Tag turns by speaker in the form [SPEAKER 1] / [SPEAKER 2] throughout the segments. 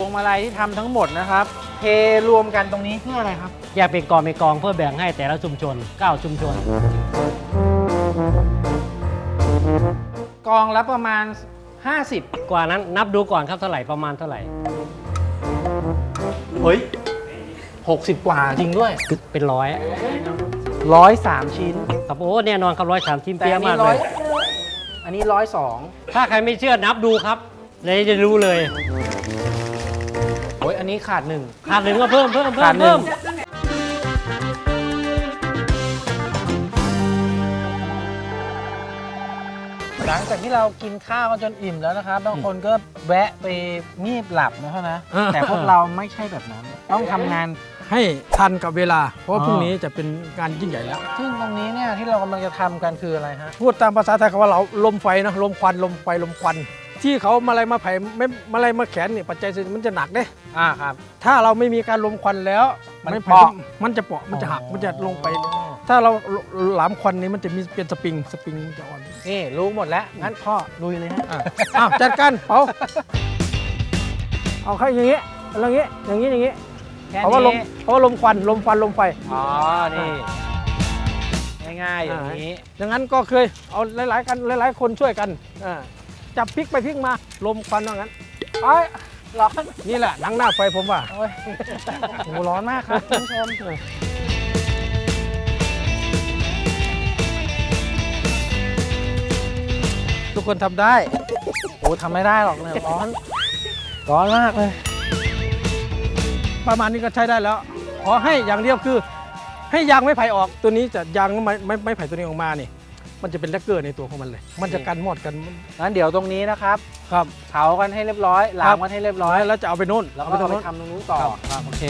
[SPEAKER 1] วงมาลัยที่ทำทั้งหมดนะครับเทรวมกันตรงนี้เพื่ออะไรครับ
[SPEAKER 2] แยกเป็นกองเพื่อแบ่งให้แต่ละชุมชน9ชุมชน
[SPEAKER 1] กองละประมาณ50
[SPEAKER 2] กว่านั้นนับดูก่อนครับเท่าไหร่ประมาณเท่าไหร่
[SPEAKER 1] เฮ้ย60กว่าจริงด้วย
[SPEAKER 2] เป็น100
[SPEAKER 1] 103ชิ้น
[SPEAKER 2] ครับโอ้แน่นอนครับ103ชิ้น
[SPEAKER 1] แต่
[SPEAKER 2] เปี้ยมากเลย
[SPEAKER 1] อันนี้102
[SPEAKER 2] ถ้าใครไม่เชื่อนับดูครับเลยจะรู้เลย
[SPEAKER 1] โอ้ยอันนี้ขาด1
[SPEAKER 2] ก็เพิ่ม
[SPEAKER 1] ขาด1หลังจากที่เรากินข้าวกันจนอิ่มแล้วนะครับบางคนก็แวะไปงีบหลับนะแต่พวกเราไม่ใช่แบบนั้นต้องทำงาน
[SPEAKER 3] ให้ทันกับเวลาเพราะว่าพรุ่งนี้จะเป็นงานยิ่งใหญ่แล้ว
[SPEAKER 1] ซึ่งตรงนี้เนี่ยที่เรากำลังจะทำกันคืออะไรฮะ
[SPEAKER 3] พูดตามภาษาไทยคำว่าเราลมไฟนะลมควันลมไฟลมควันที่เขามาอะไรมาไผ่ไม่มาอะไรมาแขนเนี่ยปัจจัยมันจะหนักเด้
[SPEAKER 1] ครับ
[SPEAKER 3] ถ้าเราไม่มีการลมควันแล้ว
[SPEAKER 1] มันจะ
[SPEAKER 3] เปาะมันจะหักมันจะลงไปถ้าเราหลามควันนี้มันจะมีเป็นสปริงมันจะอ่อน
[SPEAKER 1] นี่รู้หมดแล้วงั้นพ่อลุยเลยฮะ
[SPEAKER 3] จัดการเปาเอาแค่อย่างนี้อย่างนี้เพราะว่าลมควันลมไฟ
[SPEAKER 1] นี่ง่ายๆอย่างนี้
[SPEAKER 3] อย่างนั้นก็เคยเอาหลายคนช่วยกันจับพลิกไปพลิกมาลมควันว่างั้น
[SPEAKER 1] ร้อน
[SPEAKER 3] นี่แหละหนังหน้าไฟผมว่า
[SPEAKER 1] โอ้ร้อนมากครับคุณผู้ชม
[SPEAKER 3] ทุกคนทำได้
[SPEAKER 1] ทำไม่ได้หรอกเนี่ยร้อนมากเลย
[SPEAKER 3] ประมาณนี้ก็ใช้ได้แล้วขอให้อย่างเดียวคือให้ยางไม้ไผ่ออกตัวนี้จะยางไม้ไผ่ตัวนี้ออกมานี่มันจะเป็นแลกเกอร์ในตัวของมันเลยมันจะกันมอดกัน
[SPEAKER 1] งั้นเดี๋ยวตรงนี้นะครับเผากันให้เรียบร้อยล้างกันให้เรียบร้อย
[SPEAKER 3] แล้วจะเอาไปโน่น
[SPEAKER 1] แล้วก็เอาไปทำตรงนู้นต่อโอเค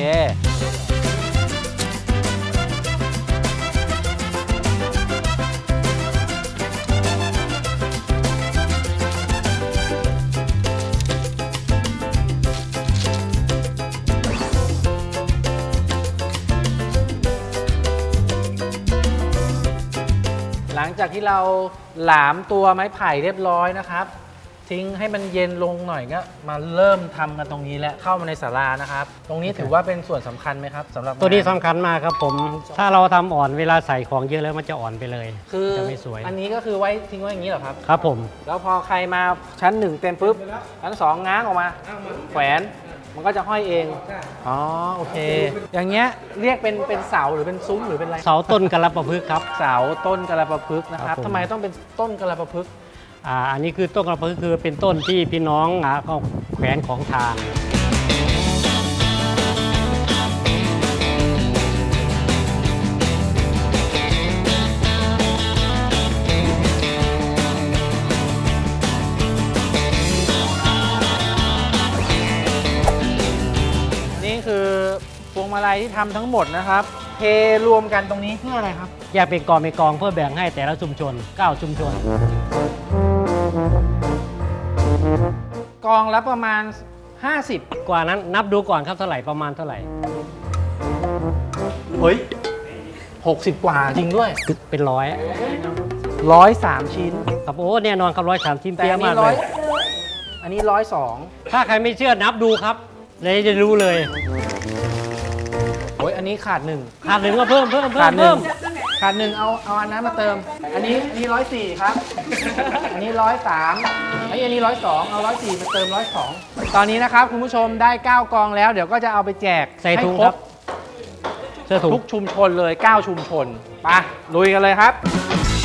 [SPEAKER 1] หลังจากที่เราหลามตัวไม้ไผ่เรียบร้อยนะครับทิ้งให้มันเย็นลงหน่อยก็มาเริ่มทำกันตรงนี้แล้วเข้ามาในศาลานะครับตรงนี้ถือว่าเป็นส่วนสำคัญไหมครับสำหรับ
[SPEAKER 2] ตัวนี้สำคัญมากครับผมถ้าเราทำอ่อนเวลาใส่ของเยอะแล้วมันจะอ่อนไปเลย
[SPEAKER 1] คือ
[SPEAKER 2] จะไม่สวย
[SPEAKER 1] อันนี้ก็คือไว้ทิ้งไว้อย่างนี้เหรอครับ
[SPEAKER 2] ครับผม
[SPEAKER 1] แล้วพอใครมาชั้น1เต็มปุ๊บชั้น2ง้างออกมาแขวนมันก็จะห้อยเองโอเคอย่างเงี้ยเรียกเป็นเสาหรือเป็นซุ้มหรือเป็นอะไร
[SPEAKER 2] เสาต้นกระปะพึกครับ
[SPEAKER 1] เสาต้นกระปะพึกนะครับทำไมต้องเป็นต้นกระปะพึก
[SPEAKER 2] อันนี้คือต้นกระปะพึกคือเป็นต้นที่พี่น้องเขาแขวนของทาง
[SPEAKER 1] คือพวงมาลัยที่ทำทั้งหมดนะครับเทรวมกันตรงนี้เพื่ออะไรครับ
[SPEAKER 2] แยกเป็นกองเพื่อแบ่งให้แต่ละชุมชน9ชุมชน
[SPEAKER 1] กองละประมาณ50
[SPEAKER 2] กว่านั้นนับดูก่อนครับเท่าไหร่ประมาณเท่าไหร่
[SPEAKER 1] เฮ้ย60กว่าจริงด้วย
[SPEAKER 2] เป็น
[SPEAKER 1] 103ชิ้น
[SPEAKER 2] ครับโอ้แน่นอนครับ103ชิ้นเปี้ยมากเลย
[SPEAKER 1] อันนี้102
[SPEAKER 2] ถ้าใครไม่เชื่อนับดูครับเลยจะรู้เลย
[SPEAKER 1] โอ้ยอันนี้ขาด1
[SPEAKER 2] ก็เพิ่ม
[SPEAKER 1] ขาด1เอาอันนั้นมาเติมอันนี้104ครับอันนี้103อันนี้102เอา104มาเติม102ตอนนี้นะครับคุณผู้ชมได้9กองแล้วเดี๋ยวก็จะเอาไปแจก
[SPEAKER 2] ใส่ถุงครับ
[SPEAKER 1] ทุกชุมชนเลย9ชุมชนไปลุยกันเลยครับ